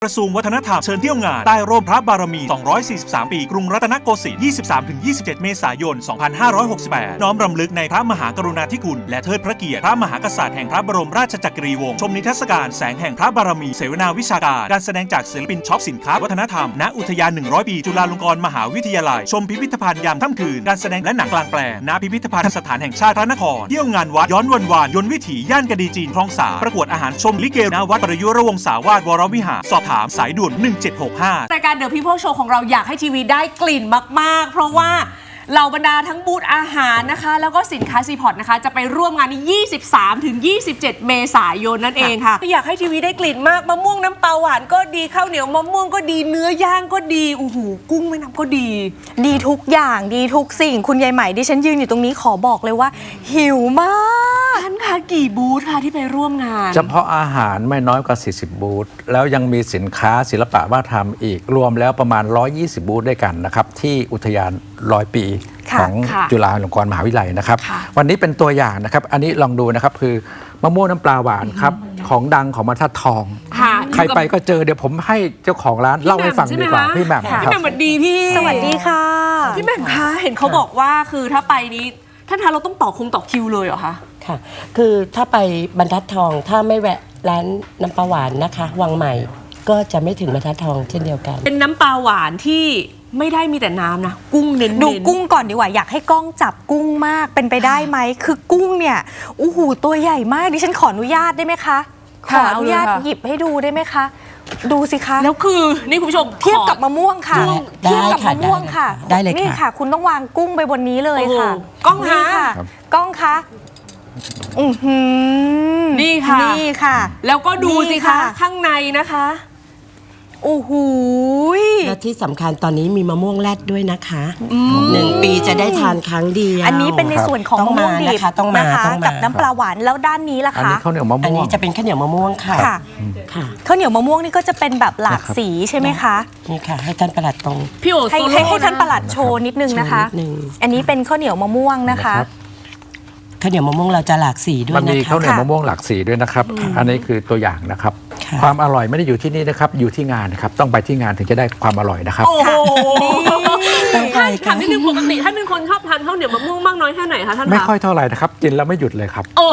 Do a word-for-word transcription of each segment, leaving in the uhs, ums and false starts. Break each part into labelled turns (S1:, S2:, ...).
S1: กระทรวงวัฒนธรรมเชิญเที่ยวงานใต้ร่มพระบารมี สองร้อยสี่สิบสาม ปีกรุงรัตนโกสินทร์ ยี่สิบสามถึงยี่สิบเจ็ด เมษายน สองพันห้าร้อยหกสิบแปด น้อมรำลึกในพระมหากรุณาธิคุณและเทิดพระเกียรติพระมหากษัตริย์แห่งพระบรมราชจักรีวงศ์ชมนิทรรศการแสงแห่งพระบารมีเสวนาวิชาการการแสดงจากศิลปินช็อปสินค้าวัฒนธรรมณอุทยาน หนึ่งร้อย ปีจุฬาลงกรณ์มหาวิทยาลัยชมพิพิธภัณฑ์ยามค่ำคืนการแสดงและหนังกลางแปลงณพิพิธภัณฑ์สถานแห่งชาติพระนครเที่ยวงานวัดย้อนวันวานยนต์วิถีย่านกระดีจีนคลองสาประกวดอาหารชมลิเกณวัดประยุรวงศาวาสวรวิหารสอบถามสายด่วนหนึ่งเจ็ดหกห้าร
S2: ายการ The People Show ของเราอยากให้ทีวีได้กลิ่นมากๆเพราะว่าเหล่าบรรดาทั้งบูธอาหารนะคะแล้วก็สินค้าซีพอร์ตนะคะจะไปร่วมงานนี้ ยี่สิบสามถึงยี่สิบเจ็ด เมษายนนั่นเองค่ะอยากให้ทีวีได้กลิ่นมากมะม่วงน้ำปลาหวานก็ดีข้าวเหนียวมะม่วงก็ดีเนื้อย่างก็ดีโอ้โหกุ้งแม่น้ำก็ดี
S3: ดีทุกอย่างดีทุกสิ่งคุณยายใหม่ดิฉันยืนอยู่ตรงนี้ขอบอกเลยว่าหิวมาก
S2: ท่านคะกี่บูธค่ะที่ไปร่วมงาน
S4: เฉพาะอาหารไม่น้อยกว่าสี่สิบบูธแล้วยังมีสินค้าศิลปะวัฒนธรรมอีกรวมแล้วประมาณหนึ่งร้อยยี่สิบบูธด้วยกันนะครับที่อุทยานร้อยปีของจุฬาลงกรณ์มหาวิทยาลัยนะครับวันนี้เป็นตัวอย่างนะครับอันนี้ลองดูนะครับคือมะม่วงน้ำปลาหวานครับของดังของบรรทัดทองใครไปก็เจอเดี๋ยวผมให้เจ้าของร้านเล่าให้ฟังดีกว่าพี่แหม่ม
S2: พี่แหม่มสวัสดีพี่
S3: สวัสดีค่ะ
S2: พี่แหม่มคะเห็นเขาบอกว่าคือถ้าไปนี้ท่านทานเราต้องต่อคงต่อคิวเลยเหรอคะ
S5: ค่ะคือถ้าไปบรรทัดทองถ้าไม่แวะร้านน้ำปลาหวานนะคะวังใหม่ก็จะไม่ถึงบรรทัดทองเช่นเดียวกัน
S2: เป็นน้ำปลาหวานที่ไม่ได้มีแต่น้ำนะกุ้งเน้น
S3: ดูกุ้งก่อนดีกว่าอยากให้กล้องจับกุ้งมากเป็นไปได้ไหมคือกุ้งเนี่ยโอ้โหตัวใหญ่มากดิฉันขออนุญาตได้ไหมคะขออนุญาตหยิบให้ดูได้ไหมคะดูสิคะ
S2: แล้วคือนี่คุณผู้ชม
S3: เทียบกับมะม่วงค่ะเทียบกับมะม่วงค่ะ
S5: ได้เลยค่ะ
S3: นี่ค่ะคุณต้องวางกุ้งไปบนนี้เลยค่ะ
S2: กล้องคะ
S3: กล้องคะอือหือ
S2: นี่ค่ะ
S3: นี่ค่ะ
S2: แล้วก็ดูสิคะข้างในนะคะ
S3: โอ้โห
S5: และที่สำคัญตอนนี้มีมะม่วงแรดด้วยนะคะหนึ่งปีจะได้ทานครั้งเดียว
S3: อันนี้เป็นในส่วนของมะม่วงดิบ
S5: ต้องมา
S3: กับน้ำปลาหวานแล้วด้านนี้ล่ะคะอันนี้
S4: ข้าวเหนียวมะม่วง
S5: อันนี้จะเป็นข้าวเหนียวมะม่วงค่ะ
S3: ค่ะข้าวเหนียวมะม่วงนี่ก็จะเป็นแบบหลากสีใช่ไหมคะ
S5: นี่ค่ะให้ท่านประหลัดตรง
S2: พี่โอ
S3: ให้ให้ท่านประหลัดโชว์นิดนึงนะคะอันนี้เป็นข้าวเหนียวมะม่วงนะคะ
S5: ข้าวเหนียวมะม่วงเราจะหลากสีด้วยนะคะ
S4: มันมีข้าวเหนียวมะม่วงหลากสีด้วยนะครับอันนี้คือตัวอย่างนะครับความอร่อยไม่ได้อยู่ที่นี่นะครับอยู่ที่งานนะครับต้องไปที่งานถึงจะได้ความอร่อยนะครับ
S2: โอ้โหท่านถามนิดนึงปกติท่านเป็นคนชอบทานข้าวเหนียวมะม่วงมากน้อยแค่ไหนคะท่าน
S4: ไม่ค่อยเท่าไหร่นะครับกินแล้วไม่หยุดเลยครับ
S2: โอ้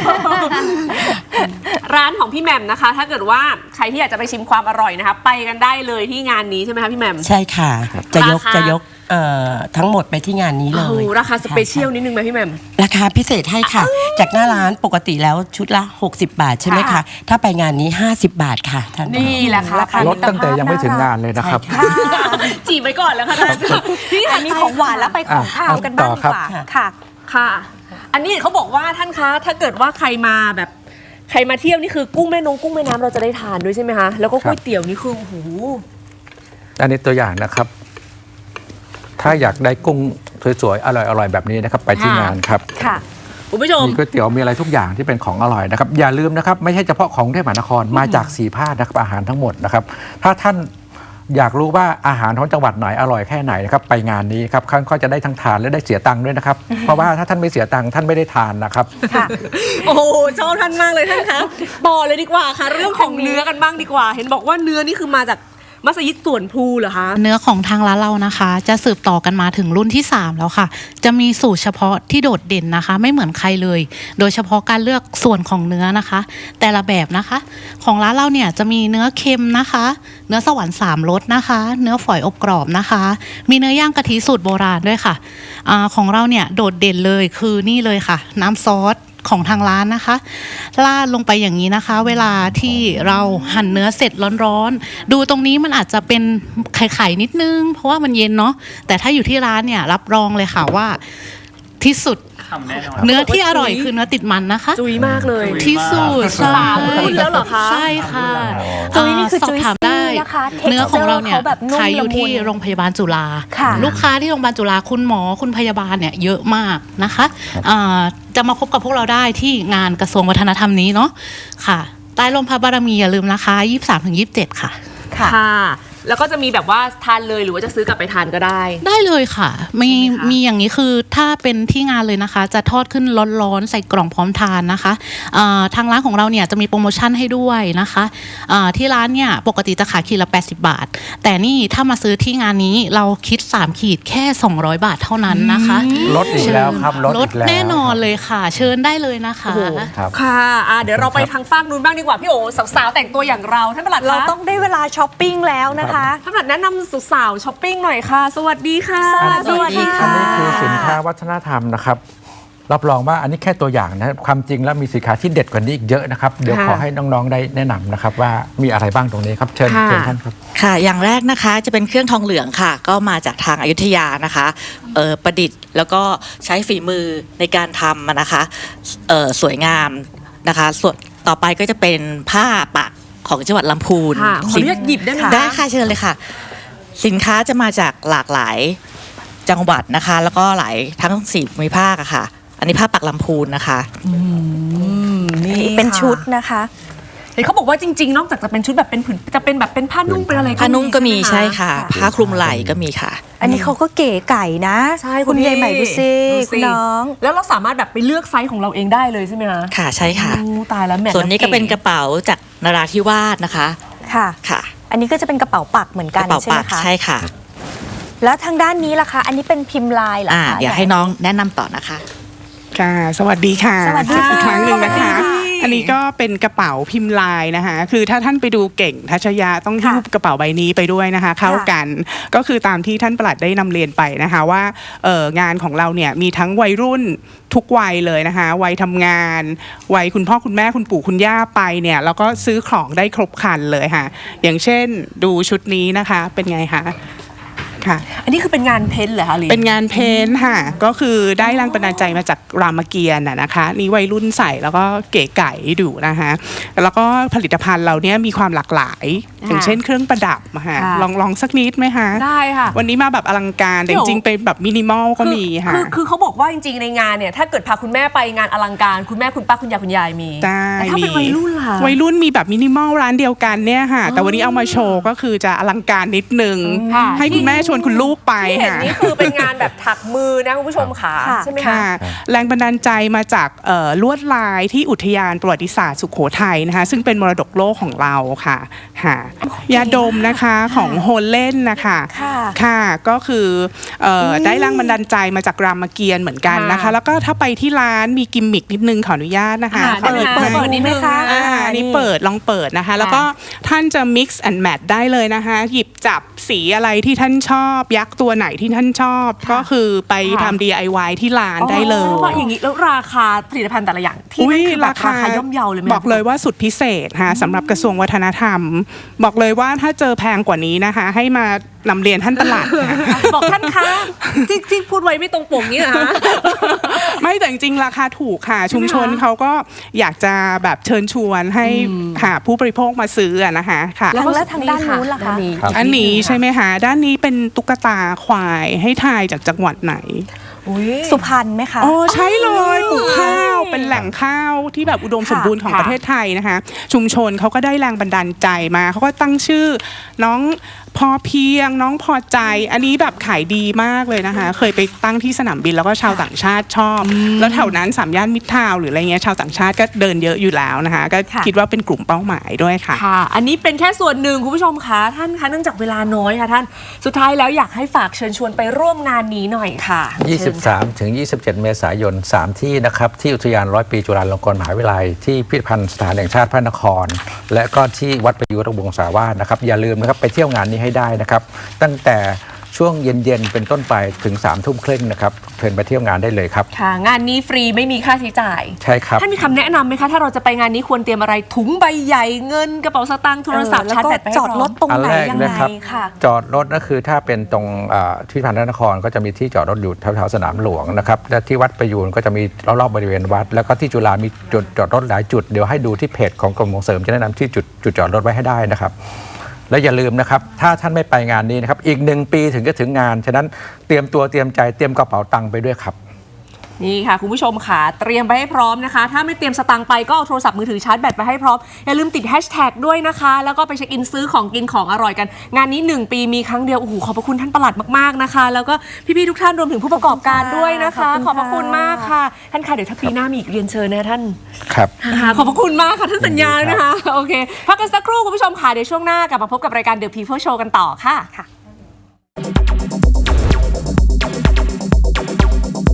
S2: ร้านของพี่แหม่มนะคะถ้าเกิดว่าใครที่อยากจะไปชิมความอร่อยนะคะไปกันได้เลยที่งานนี้ใช่ไหมคะพี่แหม่ม
S5: ใช่ค่ะจะยกจะยกทั้งหมดไปที่งานนี้เลย
S2: ราคาสเปเชียลนิดนึงไหมพี่แหม่ม
S5: ราคาพิเศษให้ค่ะจากหน้าร้านปกติแล้วชุดละหกสิบบาทใช่ไหมคะถ้าไปงานนี้ห้าสิบบาทค่ะท่าน
S2: นี่แหละค่ะ
S4: ลดตั้งแต่ยังไม่ถึงงานเลยนะครับ
S2: จีบไปก่อนแล้วค่ะท่าน
S3: นี่อันนี้ของหวานแล้วไปของข้าวกันบ้างดีกว่าค่ะ
S2: ค่ะอันนี้เขาบอกว่าท่านคะถ้าเกิดว่าใครมาแบบใครมาเที่ยวนี่คือกุ้งแม่นงกุ้งแม่น้ำเราจะได้ทานด้วยใช่ไหมคะแล้วก็ก๋วยเตี๋ยวนี่คือโอ้โห
S4: อันนี้ตัวอย่างนะครับถ้าอยากได้กุ้งสวยๆอร่อยๆแบบนี้นะครับไปที่งานครับ
S2: ค่ะคุณผู้ชม
S4: มีก๋วยเตี๋ยวมีอะไรทุกอย่างที่เป็นของอร่อยนะครับอย่าลืมนะครับไม่ใช่เฉพาะของกรุงเทพมหานครมาจากสี่ภาคนะครับอาหารทั้งหมดนะครับถ้าท่านอยากรู้ว่าอาหารของจังหวัดไหนอร่อยแค่ไหนนะครับไปงานนี้ครับท่านก็จะได้ทั้งทานและได้เสียตังค์ด้วยนะครับเพราะว่าถ้าท่านไม่เสียตังค์ท่านไม่ได้ทานนะครับ
S2: โอ้โหชอบท่านมากเลยท่านคะต่อเลยดีกว่าค่ะเรื่องของเนื้อกันบ้างดีกว่าเห็นบอกว่าเนื้อนี่คือมาจากมัสยิดสวนพลูเหรอคะ
S6: เนื้อของทางร้านเรานะคะจะสืบต่อกันมาถึงรุ่นที่สามแล้วค่ะจะมีสูตรเฉพาะที่โดดเด่นนะคะไม่เหมือนใครเลยโดยเฉพาะการเลือกส่วนของเนื้อนะคะแต่ละแบบนะคะของร้านเราเนี่ยจะมีเนื้อเค็มนะคะเนื้อสวรรค์สามรสนะคะเนื้อฝอยอบกรอบนะคะมีเนื้อย่างกะทิสูตรโบราณด้วยค่ะอ่าของเราเนี่ยโดดเด่นเลยคือนี่เลยค่ะน้ำซอสของทางร้านนะคะราดลงไปอย่างนี้นะคะเวลาที่เราหั่นเนื้อเสร็จร้อนๆดูตรงนี้มันอาจจะเป็นไข่ๆนิดนึงเพราะว่ามันเย็นเนาะแต่ถ้าอยู่ที่ร้านเนี่ยรับรองเลยค่ะว่าที่สุดเนื้อที่อร่อยคือเนื้อติดมันนะคะ
S2: จุยมากเลย
S6: ที่สุด
S2: สามรุ่นแล้วเหรอคะ
S6: ใช่ค่ะ
S3: จุยนี่คือ
S6: สอบถามได้เนื้อของเราเนี่ยขายอยู่ที่โรงพยาบาลจุฬาลูกค้าที่โรงพยาบาลจุฬาคุณหมอคุณพยาบาลเนี่ยเยอะมากนะคะจะมาพบกับพวกเราได้ที่งานกระทรวงวัฒนธรรมนี้เนาะค่ะใต้ร่มพระบารมีอย่าลืมนะคะยี่สิบสามถึงยี่สิบเจ็ดค่ะ
S2: ค่ะแล้วก็จะมีแบบว่าทานเลยหรือว่าจะซื้อกลับไปทานก็ได้
S6: ได้เลยค่ะมี
S2: ใช่ไหมคะ
S6: มีอย่างนี้คือถ้าเป็นที่งานเลยนะคะ จะทอดขึ้นร้อนๆใส่กล่องพร้อมทานนะคะอ่าทางร้านของเราเนี่ยจะมีโปรโมชั่นให้ด้วยนะคะอ่าที่ร้านเนี่ยปกติจะขายขีดละแปดสิบบาท แต่นี่ถ้ามาซื้อที่งานนี้เราคิดสามขีดแค่สองร้อยบาทเท่านั้นนะคะ
S4: ลดอีกแล้วครับลด
S6: ล
S4: อี
S6: ด
S4: กแล้ว
S6: แน่นอนเลยค่ะ เชิญได้เลยนะคะ
S2: โอ้โห
S4: ครับ
S2: ค่ะอ่ะ เดี๋ยวเราไปทางฝั่งนู้นบ้างดีกว่าพี่โอสาวๆแต่งตัวอย่างเราท่านประหลัด
S3: เรา
S2: คะ
S3: ต้องได้เวลาช้อปปิ้งแล้วนะคะ
S2: ท่านประหลัดแนะนำสาวๆช้อปปิ้งหน่อยค่ะ สวัสดีค่ะ
S3: สวัสดีค่ะ
S4: อันนี้คือสินค้าวัฒนธรรมนะครับรับรองว่าอันนี้แค่ตัวอย่างนะความจริงแล้วมีสินค้าที่เด็ดกว่านี้อีกเยอะนะครับเดี๋ยว
S2: ค่ะ
S4: ขอให้น้องๆได้แนะนำนะครับว่ามีอะไรบ้างตรงนี้ครับเชิญ
S2: ค่ะ
S4: เชิญท่านครับ
S7: ค่ะอย่างแรกนะคะจะเป็นเครื่องทองเหลืองค่ะ ก็มาจากทางอยุธยานะคะเอ่อประดิษฐ์แล้วก็ใช้ฝีมือในการทำอะนะคะเอ่อสวยงามนะคะส่วนต่อไปก็จะเป็นผ้าปักของจังหวัดลำพูน
S2: ค่ะขออนุญาตหยิบได้ไหมคะ
S7: ได้ค่ะเชิญเลยค่ะ สินค้าจะมาจากหลากหลายจังหวัดนะคะ แล้วก็หลายทั้งสี่ภูมิภาคอะค่ะ อันนี้ผ้าปักลำพูนนะคะ
S2: นี่
S3: เป็นชุดนะคะ
S2: เห็นเขาบอกว่าจริงๆ นอกจากจะเป็นชุดแบบเป็นผืนจะเป็นแบบเป็นผ้านุ่งเป็นอะไร
S7: ผ้านุ่งก็มี
S2: ใช่
S7: ใช่
S2: ไหม
S7: ค่ะ ผ้าคลุมไหล่ก็มีค่ะ
S3: อันนี้เขาก็เก๋ไก่นะ
S2: ใช่
S3: คุณ
S2: พี่
S3: ยายใหม่ดูซิ
S2: ดู
S3: คุณน้อง
S2: แล้วเราสามารถแบบไปเลือกไซส์ของเราเองได้เลยใช่ไหมคะ
S7: ค่ะใช่ค่ะ
S2: โอ้ตายแล้วแมท
S7: ส่วนนี้ก็เป็นกระเป๋าจากนราธิวาสนะคะ
S3: ค่ะ
S7: ค่ะ
S3: อันนี้ก็จะเป็นกระเป๋าปักเหมือน
S7: ก
S3: กัน
S7: ระเป๋า
S3: ใช่ไห
S7: ปั
S3: ม
S7: ก
S3: คะ
S7: ใช่ค่ะ
S3: แล้วทางด้านนี้ล่ะคะ อันนี้เป็นพิมพ์ลายเหรอ
S7: อ่า
S3: คะ
S7: เดี๋ยวให้น้องแนะนำต่อนะคะ
S8: ค่ะ สวัสดีค่ะ
S3: สวัสดีค่ะ
S8: อีกครั้งหนึ่งนะคะ
S2: สวัสดี
S8: อันนี้ก็เป็นกระเป๋าพิมพ์ลายนะคะ คือถ้าท่านไปดูเก่งทัชยาต้องหิ้วกระเป๋าใบนี้ไปด้วยนะคะ เข้ากัน ก็คือตามที่ท่านปลัดได้นำเรียนไปนะคะว่าเอ่องานของเราเนี่ยมีทั้งวัยรุ่นทุกวัยเลยนะคะ วัยทำงาน วัยคุณพ่อคุณแม่คุณปู่คุณย่าไปเนี่ยแล้วก็ซื้อของได้ครบครันเลยค่ะ อย่างเช่นดูชุดนี้นะคะ เป็นไงคะ ค่ะ
S2: อันนี้คือเป็นงานเพ้นท์เหรอคะลิ
S8: เป็นงานเพ้นท์ค่ะ ก็คือได้แรงบันดาลใจมาจากรามเกียรติ์น่ะนะคะ นี่วัยรุ่นใส่แล้วก็เก๋ไก๋ดูนะคะ แล้วก็ผลิตภัณฑ์เราเนี้ยมีความหลากหลาย อย่างเช่นเครื่องประดับอะค่ะลองลองสักนิดไหมคะ
S2: ได้ค่ะ
S8: วันนี้มาแบบอลังการแต่จริงๆเป็นแบบมินิมอลก็มีค่ะ
S2: คือคือเขาบอกว่าจริงๆในงานเนี่ยถ้าเกิดพาคุณแม่ไปงานอลังการคุณแม่คุณป้าคุณยายคุณยายมี
S8: ได้
S2: แต่ถ้าเป็นวัยรุ่นล่ะ
S8: วัยรุ่นมีแบบมินิมอลร้านเดียวกันเนี่ยค่ะ แต่วันนี้เอามาโชว์ก็คือจะอลังการนิดนึง
S2: ค่ะ
S8: ให้คุณแม่ชวนคุณลูกไป
S2: ที่เห็น
S8: ค่ะ
S2: นี่คือเป็นงานแบบถักมือนะคุณผู้ชมค่ะ
S3: ค่ะ
S2: ใช่ไหมคะ
S8: ค่ะแรงบันดาลใจมาจากเอ่อลวดลายที่อุทยานประวัติศาสตร์สุโขทัยนะคะซึ่งเป็นมรดกโลกของเราค่ะค่ะยาดมนะคะของโฮลเล่นนะคะ
S3: ค่ะ
S8: ค่ะก็คือเอ่อได้แรงบันดาลใจมาจากรามเกียรติ์เหมือนกันนะคะ
S2: ค่ะ
S8: แล้วก็ถ้าไปที่ร้านมีกิมมิกนิดนึงขออนุญาตนะคะ
S2: อ่าได้ไหมคะ
S8: เปิด
S2: เปิดนิดนึง
S3: ไหมคะ
S8: อ่าอันนี้เปิดลองเปิดนะคะ แล้วก็ท่านจะ mix and match ได้เลยนะคะ หยิบจับสีอะไรที่ท่านชอบ ยักษ์ตัวไหนที่ท่านชอบ ก็คือไปทำ ดี ไอ วาย ที่ร้านได้เลย
S2: อ๋อว่าอย่างนี้แล้วราคาผลิตภัณฑ์แต่ละอย่างที่นั่นคือแบบราคาย่อมเยาเลยไหม
S8: บอกเลยว่าสุดพิเศษค่ะสำหรับกระทรวงวัฒนธรรม บอกเลยว่าถ้าเจอแพงกว่านี้นะคะ ให้มานำเรียนท่านตลาดค่ะ
S2: บอกท่านคะที่ที่พูดไว้ไม่ตรงปกนี่นะ
S8: ไม่แต่จริงๆราคาถูกค่ะ ชุมชนเขาก็อยากจะแบบเชิญชวนให้ค่ะผู้บริโภคมาซื้ออะนะคะค่ะ
S3: แล้วแล้วทางด้านนู้นล่ะคะ
S8: อันนี้ใช่ไหมคะด้านนี้เป็นตุ๊กตาควายให้ทายจากจังหวัดไหน
S3: สุพรรณไหมคะ
S8: อ๋อใช่เลยปลูกข้าวเป็นแหล่งข้าวที่แบบอุดมสมบูรณ์ของ
S2: ค่ะ
S8: ประเทศไทยนะคะ ชุมชนเขาก็ได้แรงบันดาลใจมาเขาก็ตั้งชื่อน้องพอเพียงน้องพอใจ อันนี้แบบขายดีมากเลยนะคะ เคยไปตั้งที่สนามบินแล้วก็ชาวต่างชาติชอบ แล้วแถวนั้นสามย่านมิตรทาวน์หรืออะไรเงี้ยชาวต่างชาติก็เดินเยอะอยู่แล้วนะคะ ก็
S3: ค่ะ
S8: คิดว่าเป็นกลุ่มเป้าหมายด้วยค่ะ
S2: ค่ะ อันนี้เป็นแค่ส่วนหนึ่งคุณผู้ชมคะท่านคะเนื่องจากเวลาน้อยค่ะท่านสุดท้ายแล้วอยากให้ฝากเชิญชวนไปร่วมงานนี้หน่อยค่ะ
S4: ยี่สิบสามถึงยี่สิบเจ็ด เมษายน สาม ที่นะครับที่อุทยานร้อยปีจุฬาลงกรณ์มหาวิทยาลัยที่พิพิธภัณฑ์สถานแห่งชาติพระนคร และก็ที่วัดประยุรวงศาวาสนะครับอย่าลืมนะครับไปเที่ยวงานนี้ให้ได้นะครับตั้งแต่ช่วงเย็นๆเป็นต้นไปถึงสามทุ่มครึ่งนะครับเชิญไปเที่ยวงานได้เลยครับ
S2: ค่ะ งานนี้ฟรีไม่มีค่าใช้จ่าย
S4: ใช่ครับ
S2: ท่านมีคำแนะนำไหมคะ ถ้าเราจะไปงานนี้ควรเตรียมอะไรถุงใบใหญ่เงินกระเป๋าสตางค์โทรศัพท์
S3: เออ
S2: ชาร์จแบตไปให้
S3: จอด
S2: พร้
S3: ร
S2: อ
S3: ถ
S2: ม
S3: ตรง
S4: อัน
S3: ไหน
S4: แรก
S3: ยังไง
S4: นะครับ
S3: ค่ะ
S4: จอดรถก็คือถ้าเป็นตรงอ่าที่พิพิธภัณฑ์พระนครก็จะมีที่จอดรถอยู่แถวๆสนามหลวงนะครับและที่วัดประยูนก็จะมีรอบๆบริเวณวัด แล้วก็ที่จุฬามีจุดจอดรถหลายจุดเดี๋ยวให้ดูที่เพจของกรมส่งเสริมจะแนะนำที่จุดจุดจอดรถไว้ให้ได้นะครับและอย่าลืมนะครับถ้าท่านไม่ไปงานนี้นะครับอีกหนึ่งปีถึงจะถึงงานฉะนั้นเตรียมตัวเตรียมใจเตรียมกระเป๋าตังค์ไปด้วยครับ
S2: นี่ค่ะคุณผู้ชมค่ะเตรียมไปให้พร้อมนะคะถ้าไม่เตรียมสตังค์ไปก็เอาโทรศัพท์มือถือชาร์จแบตไปให้พร้อมอย่าลืมติดแฮชแท็กด้วยนะคะแล้วก็ไปเช็คอินซื้อของกินของอร่อยกันงานนี้หนึ่งปีมีครั้งเดียวโอ้โหขอบพระคุณท่านปลัดมากๆนะคะแล้วก็พี่ๆทุกท่านรวมถึงผู้ประกอบการด้วยนะคะขอบพระคุณมากค่ะท่านค่ะเดี๋ยวถ้าปีหน้ามีอีกเรียนเชิญนะท่าน
S4: ครับ
S2: ขอบพระคุณมากค่ะท่านสัญญานะคะโอเคพักกันสักครู่คุณผู้ชมค่ะเดี๋ยวช่วงหน้ากลับมาพบกับรายการ The People Show กันต่อค่ะ